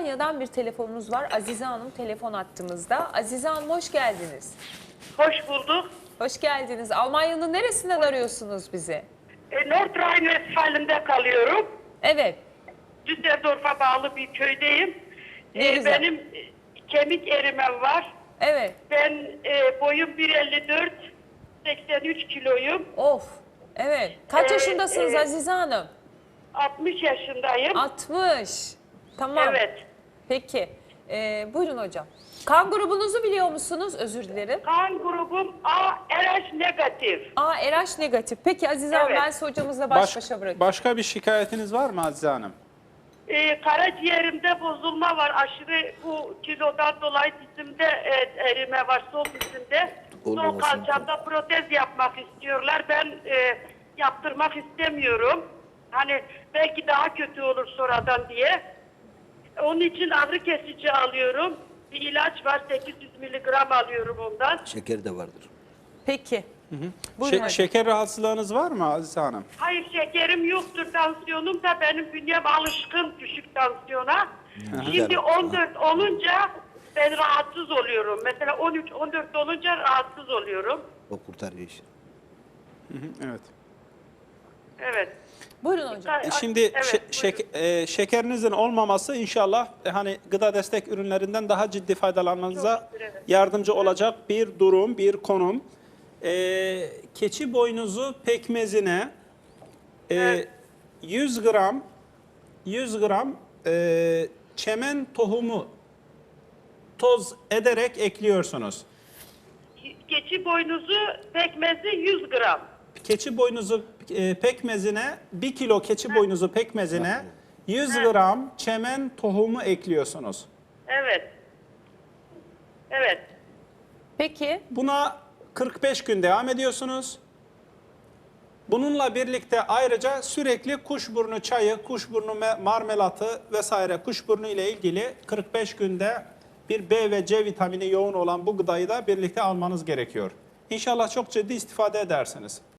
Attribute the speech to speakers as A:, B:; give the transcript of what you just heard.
A: Almanya'dan bir telefonumuz var. Azize Hanım telefon attığımızda. Azize Hanım hoş geldiniz.
B: Hoş bulduk.
A: Hoş geldiniz. Almanya'nın neresinden arıyorsunuz bizi?
B: Nordrhein-Westfalen'de kalıyorum.
A: Evet.
B: Düsseldorf'a bağlı bir köydeyim.
A: Ne güzel.
B: Benim kemik erimem var.
A: Evet.
B: Ben boyum 1.54, 83 kiloyum.
A: Of. Evet. Kaç yaşındasınız
B: e,
A: Azize Hanım?
B: 60 yaşındayım.
A: 60. Tamam.
B: Evet.
A: Peki. Buyurun hocam. Kan grubunuzu biliyor musunuz? Özür dilerim.
B: Kan grubum A, RH negatif.
A: RH negatif. Peki Azize Hanım
B: Evet.
A: ben sizi hocamızla baş başa bırakayım.
C: Başka bir şikayetiniz var mı Azize Hanım?
B: Karaciğerimde bozulma var. Aşırı bu kilodan dolayı dizimde erime var. Sol dizimde. Sol kalçamda protez yapmak istiyorlar. Ben yaptırmak istemiyorum. Hani belki daha kötü olur sonradan diye. Onun için ağrı kesici alıyorum. Bir ilaç var. 800 miligram alıyorum ondan.
D: Şeker de vardır.
A: Peki. Buyurun hocam.
C: Şeker rahatsızlığınız var mı Azize Hanım?
B: Hayır, şekerim yoktur. Tansiyonum da benim bünyem alışkın düşük tansiyona. Şimdi 14 olunca ben rahatsız oluyorum. Mesela 13, 14 olunca rahatsız oluyorum.
D: O kurtarıyor işi.
C: Evet.
B: Evet.
A: Buyurun hocam.
C: Şimdi
B: Evet,
C: şekerinizin olmaması inşallah hani gıda destek ürünlerinden daha ciddi faydalanmanıza
B: Çok şükür, evet.
C: yardımcı olacak bir durum, bir konum. Keçi boynuzu pekmezine 100 gram çemen tohumu toz ederek ekliyorsunuz.
B: Keçi boynuzu pekmezi 100 gram.
C: Keçi boynuzu pekmezine 1 kilo keçi boynuzu pekmezine 100 gram çemen tohumu ekliyorsunuz.
B: Evet. Evet.
A: Peki.
C: Buna 45 gün devam ediyorsunuz. Bununla birlikte ayrıca sürekli kuşburnu çayı, kuşburnu marmelatı vesaire kuşburnu ile ilgili 45 günde bir B ve C vitamini yoğun olan bu gıdayı da birlikte almanız gerekiyor. İnşallah çok ciddi istifade edersiniz.